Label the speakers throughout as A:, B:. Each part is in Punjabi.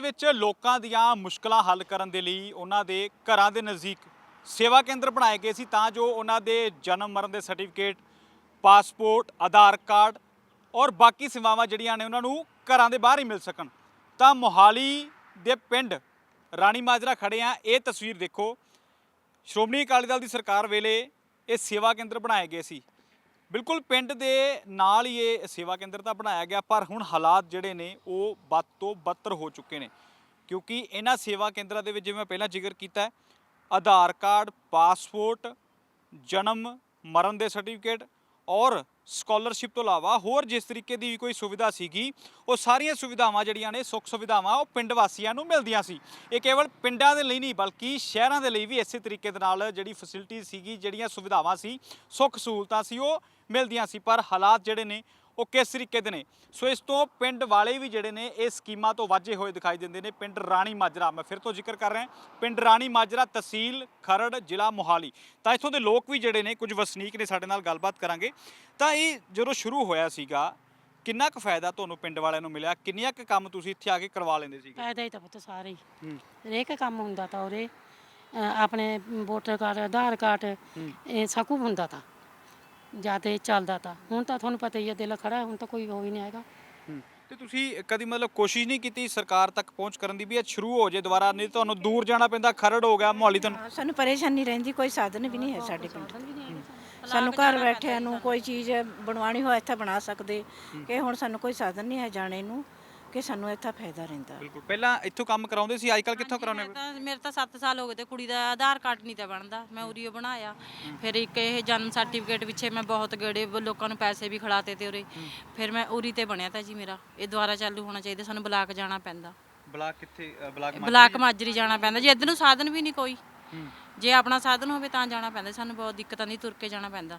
A: ਵਿੱਚ ਲੋਕਾਂ ਦੀਆਂ ਮੁਸ਼ਕਲਾਂ ਹੱਲ ਕਰਨ ਦੇ ਲਈ ਉਹਨਾਂ ਦੇ ਘਰਾਂ ਦੇ ਨਜ਼ਦੀਕ ਸੇਵਾ ਕੇਂਦਰ ਬਣਾਏ ਗਏ ਸੀ ਤਾਂ ਜੋ ਉਹਨਾਂ ਦੇ ਜਨਮ ਮਰਨ ਦੇ ਸਰਟੀਫਿਕੇਟ, ਪਾਸਪੋਰਟ, ਆਧਾਰ ਕਾਰਡ ਔਰ ਬਾਕੀ ਸੇਵਾਵਾਂ ਜਿਹੜੀਆਂ ਨੇ ਉਹਨਾਂ ਨੂੰ ਘਰਾਂ ਦੇ ਬਾਹਰ ਹੀ ਮਿਲ ਸਕਣ। ਤਾਂ ਮੋਹਾਲੀ ਦੇ ਪਿੰਡ ਰਾਣੀ ਮਾਜਰਾ ਖੜੇ ਆ। ਇਹ ਤਸਵੀਰ ਦੇਖੋ, ਸ਼੍ਰੋਮਣੀ ਅਕਾਲੀ ਦਲ ਦੀ ਸਰਕਾਰ ਵੇਲੇ ਇਹ ਸੇਵਾ ਕੇਂਦਰ ਬਣਾਏ ਗਏ ਸੀ। ਬਿਲਕੁਲ ਪਿੰਡ ਦੇ ਨਾਲ ਹੀ ਇਹ ਸੇਵਾ ਕੇਂਦਰ ਤਾਂ ਬਣਾਇਆ ਗਿਆ, ਪਰ ਹੁਣ ਹਾਲਾਤ ਜਿਹੜੇ ਨੇ ਉਹ ਬਦ ਤੋਂ ਬਦਤਰ ਹੋ ਚੁੱਕੇ ਨੇ ਕਿਉਂਕਿ ਇਹਨਾਂ ਸੇਵਾ ਕੇਂਦਰਾਂ ਦੇ ਵਿੱਚ ਜਿਵੇਂ ਮੈਂ ਪਹਿਲਾਂ ਜ਼ਿਕਰ ਕੀਤਾ ਆਧਾਰ ਕਾਰਡ, ਪਾਸਪੋਰਟ, ਜਨਮ ਮਰਨ ਦੇ ਸਰਟੀਫਿਕੇਟ ਔਰ ਸਕਾਲਰਸ਼ਿਪ ਤੋਂ ਇਲਾਵਾ ਹੋਰ ਜਿਸ ਤਰੀਕੇ ਦੀ ਕੋਈ ਸੁਵਿਧਾ ਸੀਗੀ ਉਹ ਸਾਰੀਆਂ ਸੁਵਿਧਾਵਾਂ ਜਿਹੜੀਆਂ ਨੇ ਸੁੱਖ ਸੁਵਿਧਾਵਾਂ ਉਹ ਪਿੰਡ ਵਾਸੀਆਂ ਨੂੰ ਮਿਲਦੀਆਂ ਸੀ। ਇਹ ਕੇਵਲ ਪਿੰਡਾਂ ਦੇ ਲਈ ਨਹੀਂ ਬਲਕਿ ਸ਼ਹਿਰਾਂ ਦੇ ਲਈ ਵੀ ਇਸੇ ਤਰੀਕੇ ਦੇ ਨਾਲ ਜਿਹੜੀ ਫੈਸਿਲਿਟੀ ਸੀਗੀ, ਜਿਹੜੀਆਂ ਸੁਵਿਧਾਵਾਂ ਸੀ, ਸੁੱਖ ਸਹੂਲਤਾਂ ਸੀ ਉਹ ਮਿਲਦੀਆਂ ਸੀ। ਪਰ ਹਾਲਾਤ ਜਿਹੜੇ ਨੇ ਉਹ ਕਿਸ ਤਰੀਕੇ ਦੇ ਨੇ, ਸੋ ਇਸ ਤੋਂ ਪਿੰਡ ਵਾਲੇ ਵੀ ਜਿਹੜੇ ਨੇ ਇਹ ਸਕੀਮਾਂ ਤੋਂ ਵਾਝੇ ਹੋਏ ਦਿਖਾਈ ਦਿੰਦੇ ਨੇ। ਪਿੰਡ ਰਾਣੀ ਮਾਜਰਾ, ਮੈਂ ਫਿਰ ਤੋਂ ਜ਼ਿਕਰ ਕਰ ਰਿਹਾ, ਪਿੰਡ ਰਾਣੀ ਮਾਜਰਾ, ਤਹਿਸੀਲ ਖਰੜ, ਜ਼ਿਲ੍ਹਾ ਮੋਹਾਲੀ। ਤਾਂ ਇੱਥੋਂ ਦੇ ਲੋਕ ਵੀ ਜਿਹੜੇ ਨੇ, ਕੁਝ ਵਸਨੀਕ ਨੇ, ਸਾਡੇ ਨਾਲ ਗੱਲਬਾਤ ਕਰਾਂਗੇ। ਤਾਂ ਇਹ ਜਦੋਂ ਸ਼ੁਰੂ ਹੋਇਆ ਸੀਗਾ ਕਿੰਨਾ ਕੁ ਫਾਇਦਾ ਤੁਹਾਨੂੰ ਪਿੰਡ ਵਾਲਿਆਂ ਨੂੰ ਮਿਲਿਆ, ਕਿੰਨੀਆਂ ਕੁ ਕੰਮ ਤੁਸੀਂ ਇੱਥੇ ਆ ਕੇ ਕਰਵਾ ਲੈਂਦੇ ਸੀ?
B: ਫਾਇਦਾ ਹੀ ਤਾਂ ਪੁੱਤ ਸਾਰੇ ਹੀ, ਹਰੇਕ ਕੰਮ ਹੁੰਦਾ ਤਾਂ ਉਰੇ ਆਪਣੇ ਵੋਟਰ ਕਾਰਡ, ਆਧਾਰ ਕਾਰਡ, ਇਹ ਸਭ ਕੁਝ ਹੁੰਦਾ ਤਾਂ ਜਿਆਦਾ ਚੱਲਦਾ ਤਾਂ। ਹੁਣ ਤਾਂ ਤੁਹਾਨੂੰ ਪਤਾ ਹੀ ਹੈ, ਦਿਲ ਖੜਾ, ਹੁਣ ਤਾਂ ਕੋਈ ਹੋ ਹੀ ਨਹੀਂ ਆਏਗਾ।
A: ਤੇ ਤੁਸੀਂ ਕਦੀ ਮਤਲਬ ਕੋਸ਼ਿਸ਼ ਨਹੀਂ ਕੀਤੀ ਸਰਕਾਰ ਤੱਕ ਪਹੁੰਚ ਕਰਨ ਦੀ ਵੀ ਇਹ ਸ਼ੁਰੂ ਹੋ ਜੇ ਦੁਬਾਰਾ? ਨਹੀਂ ਤੁਹਾਨੂੰ ਦੂਰ ਜਾਣਾ ਪੈਂਦਾ, ਖਰੜ ਹੋ ਗਿਆ, ਮੋਹਾਲੀ ਤੁਹਾਨੂੰ।
C: ਸਾਨੂੰ ਪਰੇਸ਼ਾਨੀ ਰਹਿੰਦੀ, ਕੋਈ ਸਾਧਨ ਵੀ ਨਹੀਂ ਹੈ ਸਾਡੇ ਪਿੰਡ। ਸਾਨੂੰ ਘਰ ਬੈਠਿਆਂ ਨੂੰ ਕੋਈ ਚੀਜ਼ ਬਣਵਾਉਣੀ ਹੋਏ ਇੱਥੇ ਬਣਾ ਸਕਦੇ, ਕਿ ਹੁਣ ਸਾਨੂੰ ਕੋਈ ਸਾਧਨ ਨਹੀਂ ਹੈ ਜਾਣੇ ਨੂੰ, ਕਿ ਸਾਨੂੰ ਇੱਥੇ ਫਾਇਦਾ ਰਹਿੰਦਾ।
A: ਬਿਲਕੁਲ, ਪਹਿਲਾਂ ਇੱਥੋਂ ਕੰਮ ਕਰਾਉਂਦੇ ਸੀ, ਅੱਜ ਕੱਲ੍ਹ ਕਿੱਥੋਂ ਕਰਾਉਂਦੇ?
D: ਮੇਰੇ ਤਾਂ 7 ਸਾਲ ਹੋ ਗਏ ਤੇ ਕੁੜੀ ਦਾ ਆਧਾਰ ਕਾਰਡ ਨਹੀਂ ਤਾਂ ਬਣਦਾ, ਮੈਂ ਉਰੀਓ ਬਣਾਇਆ। ਫਿਰ ਇੱਕ ਇਹ ਜਨਮ ਸਰਟੀਫਿਕੇਟ ਪਿੱਛੇ ਮੈਂ ਬਹੁਤ ਗੇੜੇ ਲੋਕਾਂ ਨੂੰ ਪੈਸੇ ਵੀ ਖਿਲਾਤੇ ਤੇ ਉਰੇ, ਫਿਰ ਮੈਂ ਉਰੀ ਤੇ ਬਣਿਆ ਤਾਂ ਜੀ ਮੇਰਾ। ਇਹ ਦੁਬਾਰਾ ਚਾਲੂ ਹੋਣਾ ਚਾਹੀਦਾ, ਸਾਨੂੰ ਬਲਾਕ ਜਾਣਾ ਪੈਂਦਾ।
A: ਬਲਾਕ ਕਿੱਥੇ?
D: ਬਲਾਕ ਮਾਜਰੀ ਜਾਣਾ ਪੈਂਦਾ ਜੀ, ਇੱਧਰ ਨੂੰ ਸਾਧਨ ਵੀ ਨਹੀਂ ਕੋਈ। ਜੇ ਆਪਣਾ ਸਾਧਨ ਹੋਵੇ ਤਾਂ ਜਾਣਾ ਪੈਂਦਾ, ਸਾਨੂੰ ਬਹੁਤ ਦਿੱਕਤਾਂ ਦੀ, ਤੁਰ ਕੇ ਜਾਣਾ ਪੈਂਦਾ।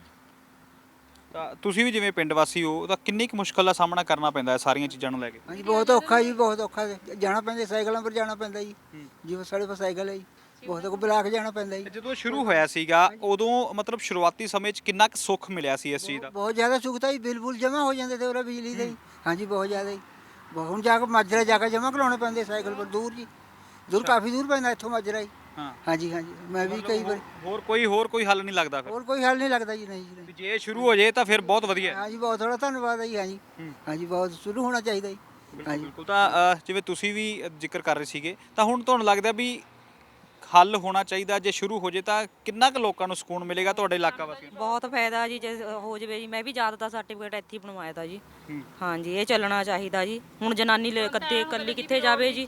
A: ਤਾਂ ਤੁਸੀਂ ਵੀ ਜਿਵੇਂ ਪਿੰਡ ਵਾਸੀ ਹੋ ਤਾਂ ਕਿੰਨੀ ਕੁ ਮੁਸ਼ਕਲ ਦਾ ਸਾਹਮਣਾ ਕਰਨਾ ਪੈਂਦਾ ਹੈ ਸਾਰੀਆਂ ਚੀਜ਼ਾਂ ਨੂੰ ਲੈ ਕੇ?
E: ਹਾਂਜੀ ਬਹੁਤ ਔਖਾ ਜੀ, ਬਹੁਤ ਔਖਾ ਜਾਣਾ ਪੈਂਦਾ, ਸਾਈਕਲਾਂ ਪਰ ਜਾਣਾ ਪੈਂਦਾ ਜੀ, ਜਿਵੇਂ ਸਾਡੇ ਕੋਲ ਸਾਈਕਲ ਹੈ ਜੀ, ਬਹੁਤ ਕੋ ਬਲਾਕ ਜਾਣਾ ਪੈਂਦਾ ਜੀ।
A: ਜਦੋਂ ਸ਼ੁਰੂ ਹੋਇਆ ਸੀਗਾ ਉਦੋਂ ਮਤਲਬ ਸ਼ੁਰੂਆਤੀ ਸਮੇਂ 'ਚ ਕਿੰਨਾ ਕੁ ਸੁੱਖ ਮਿਲਿਆ ਸੀ ਇਸ ਚੀਜ਼ ਦਾ?
E: ਬਹੁਤ ਜ਼ਿਆਦਾ ਸੁੱਖ ਤਾਂ ਜੀ, ਬਿੱਲ ਬੁੱਲ ਜਮ੍ਹਾਂ ਹੋ ਜਾਂਦੇ ਤੇ ਉਹਦਾ ਬਿਜਲੀ ਦੇ। ਹਾਂਜੀ ਬਹੁਤ ਜ਼ਿਆਦਾ ਜੀ। ਹੁਣ ਜਾ ਕੇ ਮਾਜਰਾ ਜਾ ਕੇ ਜਮ੍ਹਾਂ ਕਰਾਉਣੇ ਪੈਂਦੇ ਸਾਈਕਲ ਪਰ, ਦੂਰ ਜੀ, ਦੂਰ ਕਾਫੀ ਦੂਰ ਪੈਂਦਾ ਇੱਥੋਂ ਮਾਜਰਾ ਜੀ। ਹਾਂਜੀ ਹਾਂਜੀ, ਮੈਂ ਵੀ ਕਈ ਵਾਰ।
A: ਹੋਰ ਕੋਈ ਹੱਲ ਨਹੀਂ ਲੱਗਦਾ ਫਿਰ?
E: ਹੋਰ ਕੋਈ ਹੱਲ ਨਹੀਂ ਲੱਗਦਾ ਜੀ, ਨਹੀਂ ਜੀ।
A: ਜੇ ਸ਼ੁਰੂ ਹੋ ਜੇ ਤਾਂ ਫਿਰ ਬਹੁਤ ਵਧੀਆ।
E: ਹਾਂਜੀ ਬਹੁਤ ਥੋੜਾ ਧੰਨਵਾਦ ਹੈ ਜੀ। ਹਾਂਜੀ ਹਾਂਜੀ, ਬਹੁਤ ਸ਼ੁਰੂ ਹੋਣਾ ਚਾਹੀਦਾ ਜੀ। ਹਾਂਜੀ
A: ਬਿਲਕੁਲ। ਤਾਂ ਜਿਵੇਂ ਤੁਸੀਂ ਵੀ ਜ਼ਿਕਰ ਕਰ ਰਹੇ ਸੀਗੇ, ਤਾਂ ਹੁਣ ਤੁਹਾਨੂੰ ਲੱਗਦਾ ਵੀ ਹੱਲ ਹੋਣਾ ਚਾਹੀਦਾ? ਜੇ ਸ਼ੁਰੂ ਹੋ ਜੇ ਤਾਂ ਕਿੰਨਾ ਕੁ ਲੋਕਾਂ ਨੂੰ ਸਕੂਨ ਮਿਲੇਗਾ ਤੁਹਾਡੇ ਇਲਾਕਾ ਵਾਸੀਆਂ ਨੂੰ?
F: ਬਹੁਤ ਫਾਇਦਾ ਜੀ, ਜੇ ਹੋ ਜਵੇ ਜੀ। ਮੈਂ ਵੀ ਜ਼ਿਆਦਾਤਰ ਸਰਟੀਫਿਕੇਟ ਇੱਥੇ ਹੀ ਬਣਵਾਇਆ ਤਾ ਜੀ। ਹਾਂਜੀ, ਇਹ ਚੱਲਣਾ ਚਾਹੀਦਾ ਜੀ। ਹੁਣ ਜਨਾਨੀ ਇਕੱਲੀ ਕਿੱਥੇ ਜਾਵੇ ਜੀ,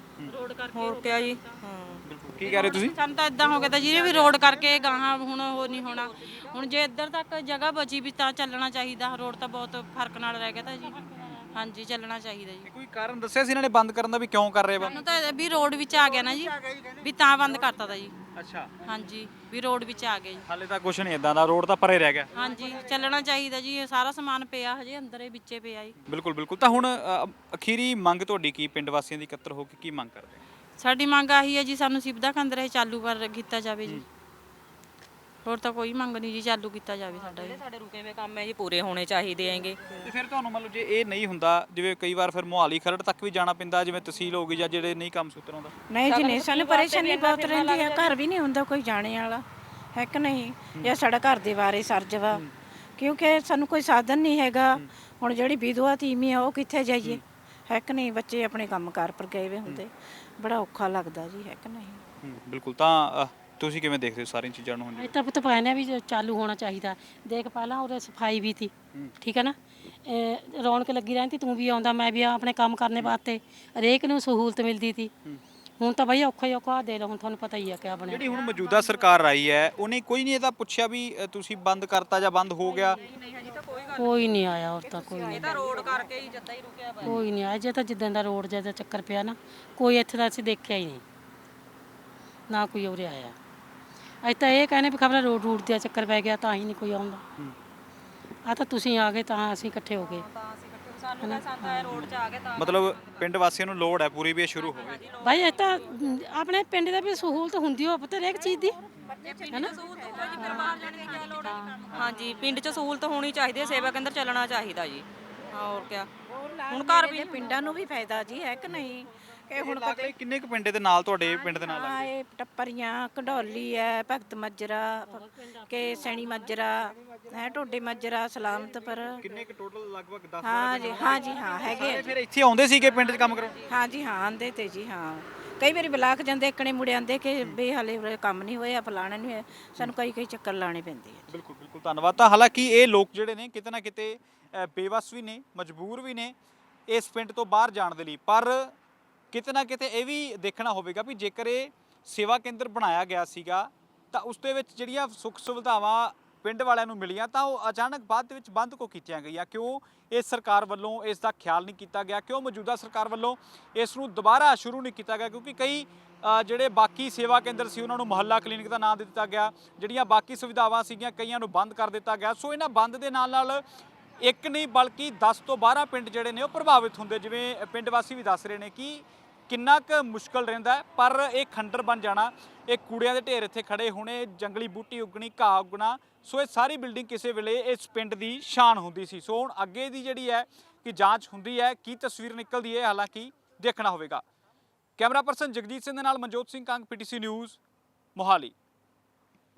F: ਹੋਰ ਕਿਆ ਜੀ।
A: ਕੀ ਕਹਿ ਰਹੇ ਤੁਸੀਂ?
D: ਸਾਨੂੰ ਤਾਂ ਇਦਾਂ ਹੋ ਗਿਆ ਤਾਂ ਜਿਹਨੇ ਵੀ ਰੋਡ ਕਰਕੇ ਗਾਹਾਂ ਹੁਣ ਉਹ ਨਹੀਂ ਹੋਣਾ। ਹੁਣ ਜੇ ਇੱਧਰ ਤੱਕ ਜਗ੍ਹਾ ਬਚੀ ਵੀ ਤਾਂ ਚੱਲਣਾ ਚਾਹੀਦਾ। ਰੋਡ ਤਾਂ ਬਹੁਤ ਫਰਕ ਨਾਲ ਰਹਿ ਗਿਆ ਤਾਂ ਜੀ। ਹਾਂਜੀ, ਚੱਲਣਾ ਚਾਹੀਦਾ ਜੀ।
A: ਕੋਈ ਕਾਰਨ ਦੱਸਿਆ ਸੀ ਇਹਨਾਂ ਨੇ ਬੰਦ ਕਰਨ ਦਾ ਵੀ ਕਿਉਂ ਕਰ ਰਹੇ ਬੰਦ?
D: ਸਾਨੂੰ ਤਾਂ ਵੀ ਰੋਡ ਵਿੱਚ ਆ ਗਿਆ ਨਾ ਜੀ, ਵੀ ਤਾਂ ਬੰਦ ਕਰਤਾ ਤਾ ਜੀ।
A: ਅੱਛਾ,
D: ਹਾਂਜੀ, ਵੀ ਰੋਡ ਵਿੱਚ ਆ ਗਿਆ ਜੀ।
A: ਹਾਲੇ ਤਾਂ ਕੁਝ ਨਹੀਂ ਇਦਾਂ ਦਾ, ਰੋਡ ਤਾਂ ਪਰੇ ਰਹਿ ਗਿਆ।
D: ਹਾਂਜੀ, ਚੱਲਣਾ ਚਾਹੀਦਾ ਜੀ। ਇਹ ਸਾਰਾ ਸਮਾਨ ਪਿਆ ਹਜੇ ਅੰਦਰ, ਇਹ ਵਿੱਚੇ ਪਿਆ ਜੀ।
A: ਬਿਲਕੁਲ ਬਿਲਕੁਲ। ਤਾਂ ਹੁਣ ਅਖੀਰੀ ਮੰਗ ਤੁਹਾਡੀ ਕੀ, ਪਿੰਡ ਵਾਸੀਆਂ ਦੀ ਇਕੱਤਰ ਹੋ ਕੇ ਕੀ ਮੰਗ ਕਰਦੇ?
D: ਸਾਡੀ ਮੰਗ ਆਹੀ ਹੈ ਜੀ, ਸਾਨੂੰ ਸਿਵਦਾ ਕੇਂਦਰ ਇਹ ਚਾਲੂ ਕੀਤਾ ਜਾਵੇ ਜੀ। ਹੋਰ ਤਾਂ ਕੋਈ ਮੰਗ ਨਹੀਂ ਜੀ, ਚਾਲੂ ਕੀਤਾ ਜਾਵੇ ਸਾਡਾ ਜੀ।
F: ਸਾਡੇ ਰੁਕੇ ਹੋਏ ਕੰਮ ਹੈ ਜੀ, ਪੂਰੇ ਹੋਣੇ ਚਾਹੀਦੇ ਹੈਗੇ।
A: ਤੇ ਫਿਰ ਤੁਹਾਨੂੰ ਮਤਲਬ ਜੇ ਇਹ ਨਹੀਂ ਹੁੰਦਾ, ਜਿਵੇਂ ਕਈ ਵਾਰ ਫਿਰ ਮੋਹਾਲੀ ਖਰੜ ਤੱਕ ਵੀ ਜਾਣਾ ਪੈਂਦਾ, ਜਿਵੇਂ ਤਹਿਸੀਲ ਹੋ ਗਈ ਜਾਂ ਜਿਹੜੇ ਨਹੀਂ ਕੰਮ ਸੂਤਰ ਆਉਂਦਾ?
C: ਨਹੀਂ ਜੀ ਨਹੀਂ, ਸਾਨੂੰ ਪਰੇਸ਼ਾਨੀ ਬਹੁਤ ਰਹਿੰਦੀ ਹੈ। ਘਰ ਵੀ ਨਹੀਂ ਹੁੰਦਾ ਕੋਈ ਜਾਣੇ ਵਾਲਾ, ਹੈ ਕਿ ਨਹੀਂ? ਜਾਂ ਸਾਡਾ ਘਰ ਦੇ ਬਾਰੇ ਸਰਜਵਾ, ਕਿਉਂਕਿ ਸਾਨੂੰ ਕੋਈ ਸਾਧਨ ਨਹੀਂ ਹੈਗਾ। ਹੁਣ ਜਿਹੜੀ ਵਿਧਵਾ ਤੀਵੀਂ ਆ ਉਹ ਕਿੱਥੇ ਜਾਈਏ, ਹੈ ਕਿ ਨਹੀਂ? ਬੱਚੇ ਆਪਣੇ ਕੰਮ ਕਾਰ ਪਰ ਗਏ ਵੇ ਹੁੰਦੇ, ਬੜਾ ਔਖਾ ਲੱਗਦਾ ਜੀ, ਹੈ ਕਿ ਨਹੀਂ?
A: ਬਿਲਕੁਲ। ਤਾਂ ਤੁਸੀਂ ਕਿਵੇਂ ਦੇਖਦੇ ਹੋ ਸਾਰੀਆਂ ਚੀਜ਼ਾਂ ਨੂੰ?
B: ਇਹ ਤਾਂ ਪੁੱਤ ਪਾਇਆ ਵੀ ਚਾਲੂ ਹੋਣਾ ਚਾਹੀਦਾ। ਦੇਖ ਪਹਿਲਾਂ ਉਹਦੇ ਸਫਾਈ ਵੀ ਸੀ, ਠੀਕ ਹੈ ਨਾ, ਰੌਣਕ ਲੱਗੀ ਰਹਿੰਦੀ, ਤੂੰ ਵੀ ਆਉਂਦਾ, ਮੈਂ ਵੀ ਆਪਣੇ ਕੰਮ ਕਰਨੇ ਵਾਸਤੇ, ਹਰੇਕ ਨੂੰ ਸਹੂਲਤ ਮਿਲਦੀ ਸੀ। ਹੁਣ ਤਾਂ ਬਈ ਔਖਾ ਹੀ ਔਖਾ ਦੇ ਲਓ। ਹੁਣ ਤੁਹਾਨੂੰ ਪਤਾ ਹੀ ਆ ਕਿਆ ਬਣਿਆ।
A: ਜਿਹੜੀ ਹੁਣ ਮੌਜੂਦਾ ਸਰਕਾਰ ਆਈ ਹੈ ਉਹਨੇ ਕੋਈ ਨਹੀਂ ਇਹਦਾ ਪੁੱਛਿਆ ਵੀ ਤੁਸੀਂ ਬੰਦ ਕਰਤਾ ਜਾਂ ਬੰਦ ਹੋ ਗਿਆ?
B: ਕੋਈ ਨਹੀਂ ਆਇਆ ਹੋਰ ਤਾਂ ਕੋਈ ਨਹੀਂ।
F: ਤਾਂ ਰੋਡ ਕਰਕੇ ਹੀ ਜੱਦਾ ਹੀ ਰੁਕਿਆ ਵਾ।
B: ਕੋਈ ਨਹੀਂ ਆਇਆ। ਜੇ ਤਾਂ ਜਿੱਦਾਂ ਦਾ ਰੋਡ ਜਿਹਾ ਚੱਕਰ ਪਿਆ ਨਾ, ਕੋਈ ਇੱਥੇ ਦਾ ਅਸੀਂ ਦੇਖਿਆ ਹੀ ਨਹੀਂ, ਨਾ ਕੋਈ ਉਰੇ ਆਇਆ। ਅੱਜ ਤਾਂ ਇਹ ਕਹਿੰਦੇ ਵੀ ਖਬਰ ਰੋਡ ਦਾ ਚੱਕਰ ਪੈ ਗਿਆ ਤਾਂ ਹੀ ਨਹੀਂ ਕੋਈ ਆਉਂਦਾ। ਆ ਤਾਂ ਤੁਸੀਂ ਆ ਗਏ ਤਾਂ ਅਸੀਂ ਇਕੱਠੇ ਹੋ ਗਏ।
F: ਸਾਨੂੰ ਤਾਂ ਰੋਡ 'ਚ ਆ ਗਏ ਤਾਂ
A: ਮਤਲਬ ਪਿੰਡ ਵਾਸੀਆਂ ਨੂੰ ਲੋੜ ਹੈ ਪੂਰੀ ਵੀ ਇਹ ਸ਼ੁਰੂ ਹੋਵੇ?
B: ਭਾਈ ਇਹ ਤਾਂ ਆਪਣੇ ਪਿੰਡ ਦਾ ਵੀ ਸਹੂਲਤ ਹੁੰਦੀ ਹੋ ਪਤਾ ਹਰੇਕ ਚੀਜ਼ ਦੀ, ਹੈ ਨਾ?
F: ਹਾਂਜੀ, ਪਿੰਡ 'ਚ ਸਹੂਲਤ ਹੋਣੀ ਚਾਹੀਦੀ ਹੈ, ਸੇਵਾ ਕੇਂਦਰ ਚੱਲਣਾ ਚਾਹੀਦਾ ਜੀ। ਹੋਰ ਕਿਆ। ਹੁਣ ਘਰ ਵੀ
C: ਪਿੰਡਾਂ ਨੂੰ ਵੀ ਫਾਇਦਾ ਜੀ, ਹੈ ਕਿ ਨਹੀਂ? ਇਹ ਹੁਣ
A: ਲਾਗਲੇ ਕਿੰਨੇ ਕੁ ਪਿੰਡ ਦੇ ਨਾਲ ਤੁਹਾਡੇ ਪਿੰਡ ਦੇ ਨਾਲ ਲੱਗਦੇ?
C: ਹਾਂ ਇਹ ਟੱਪਰੀਆਂ ਘਡੌਲੀ ਹੈ, ਭਗਤ ਮੱਜਰਾ ਕੇ ਸੈਣੀ ਮੱਜਰਾ ਹੈ, ਟੋਡੇ ਮੱਜਰਾ, ਸਲਾਮਤਪੁਰ।
A: ਕਿੰਨੇ ਕੁ ਟੋਟਲ ਲਗਭਗ 10
C: ਹਾਂ ਜੀ ਹਾਂ ਜੀ ਹਾਂ ਹੈਗੇ ਆ ਜੀ।
A: ਫਿਰ ਇੱਥੇ ਆਉਂਦੇ ਸੀਗੇ ਪਿੰਡ 'ਚ ਕੰਮ ਕਰਾਉਣ?
C: ਹਾਂ ਜੀ ਹਾਂ ਆਂਦੇ ਤੇ ਜੀ ਹਾਂ ਕਈ ਵਾਰੀ ਬਲਾਕ ਜਾਂਦੇ ਇੱਕਣੇ ਮੁੜੇ ਆਂਦੇ ਕਿ ਵੀ ਹਾਲੇ ਉਰੇ ਕੰਮ ਨਹੀਂ ਹੋਇਆ, ਫਲਾਣਾ ਨਹੀਂ ਹੋਇਆ, ਸਾਨੂੰ ਕਈ ਚੱਕਰ ਲਾਣੇ ਪੈਂਦੇ ਆ।
A: ਬਿਲਕੁਲ ਬਿਲਕੁਲ ਧੰਨਵਾਦ। ਤਾਂ ਹਾਲਾਂਕਿ ਇਹ ਲੋਕ ਜਿਹੜੇ ਨੇ ਕਿਤੇ ਨਾ ਕਿਤੇ ਬੇਵੱਸ ਵੀ ਨੇ, ਮਜਬੂਰ ਵੀ ਨੇ ਇਸ ਪਿੰਡ ਤੋਂ ਬਾਹਰ ਜਾਣ ਦੇ ਲਈ, ਪਰ ਕਿਤੇ ਨਾ ਕਿਤੇ ਇਹ ਵੀ ਦੇਖਣਾ ਹੋਵੇਗਾ ਵੀ ਜੇਕਰ ਇਹ ਸੇਵਾ ਕੇਂਦਰ ਬਣਾਇਆ ਗਿਆ ਸੀਗਾ ਤਾਂ ਉਸ ਦੇ ਵਿੱਚ ਜਿਹੜੀਆਂ ਸੁੱਖ ਸੁਵਿਧਾਵਾਂ ਪਿੰਡ ਵਾਲਿਆਂ ਨੂੰ ਮਿਲੀਆਂ ਤਾਂ ਉਹ ਅਚਾਨਕ ਬਾਅਦ ਦੇ ਵਿੱਚ ਬੰਦ ਕਿਉਂ ਕੀਤੀਆਂ ਗਈਆਂ? ਕਿਉਂ ਇਸ ਸਰਕਾਰ ਵੱਲੋਂ ਇਸ ਦਾ ਖਿਆਲ ਨਹੀਂ ਕੀਤਾ ਗਿਆ? ਕਿਉਂ ਮੌਜੂਦਾ ਸਰਕਾਰ ਵੱਲੋਂ ਇਸ ਨੂੰ ਦੁਬਾਰਾ ਸ਼ੁਰੂ ਨਹੀਂ ਕੀਤਾ ਗਿਆ? ਕਿਉਂਕਿ ਕਈ ਜਿਹੜੇ ਬਾਕੀ ਸੇਵਾ ਕੇਂਦਰ ਸੀ ਉਹਨਾਂ ਨੂੰ ਮੁਹੱਲਾ ਕਲੀਨਿਕ ਦਾ ਨਾਮ ਦੇ ਦਿੱਤਾ ਗਿਆ, ਜਿਹੜੀਆਂ ਬਾਕੀ ਸੁਵਿਧਾਵਾਂ ਸੀਗੀਆਂ ਕਈਆਂ ਨੂੰ ਬੰਦ ਕਰ ਦਿੱਤਾ ਗਿਆ। ਸੋ ਇਹਨਾਂ ਬੰਦ ਦੇ ਨਾਲ ਇੱਕ ਨਹੀਂ ਬਲਕਿ 10 ਤੋਂ 12 ਪਿੰਡ ਜਿਹੜੇ ਨੇ ਉਹ ਪ੍ਰਭਾਵਿਤ ਹੁੰਦੇ, ਜਿਵੇਂ ਪਿੰਡ ਵਾਸੀ ਵੀ ਦੱਸ ਰਹੇ ਨੇ ਕਿ ਕਿੰਨਾ ਕੁ ਮੁਸ਼ਕਲ ਰਹਿੰਦਾ ਹੈ। ਪਰ ਇਹ ਖੰਡਰ ਬਣ ਜਾਣਾ, ਇਹ ਕੂੜਿਆਂ ਦੇ ਢੇਰ ਇੱਥੇ ਖੜੇ ਹੋਣੇ, ਜੰਗਲੀ ਬੂਟੀ ਉੱਗਣੀ, ਘਾਹ ਉੱਗਣਾ, ਸੋ ਇਹ ਸਾਰੀ ਬਿਲਡਿੰਗ ਕਿਸੇ ਵੇਲੇ ਇਸ ਪਿੰਡ ਦੀ ਸ਼ਾਨ ਹੁੰਦੀ ਸੀ। ਸੋ ਹੁਣ ਅੱਗੇ ਦੀ ਜਿਹੜੀ ਹੈ ਕਿ ਜਾਂਚ ਹੁੰਦੀ ਹੈ, ਕੀ ਤਸਵੀਰ ਨਿਕਲਦੀ ਹੈ, ਹਾਲਾਂਕਿ ਦੇਖਣਾ ਹੋਵੇਗਾ। ਕੈਮਰਾ ਪਰਸਨ ਜਗਜੀਤ ਸਿੰਘ ਦੇ ਨਾਲ ਮਨਜੋਤ ਸਿੰਘ ਕੰਗ, PTC ਨਿਊਜ਼, ਮੋਹਾਲੀ।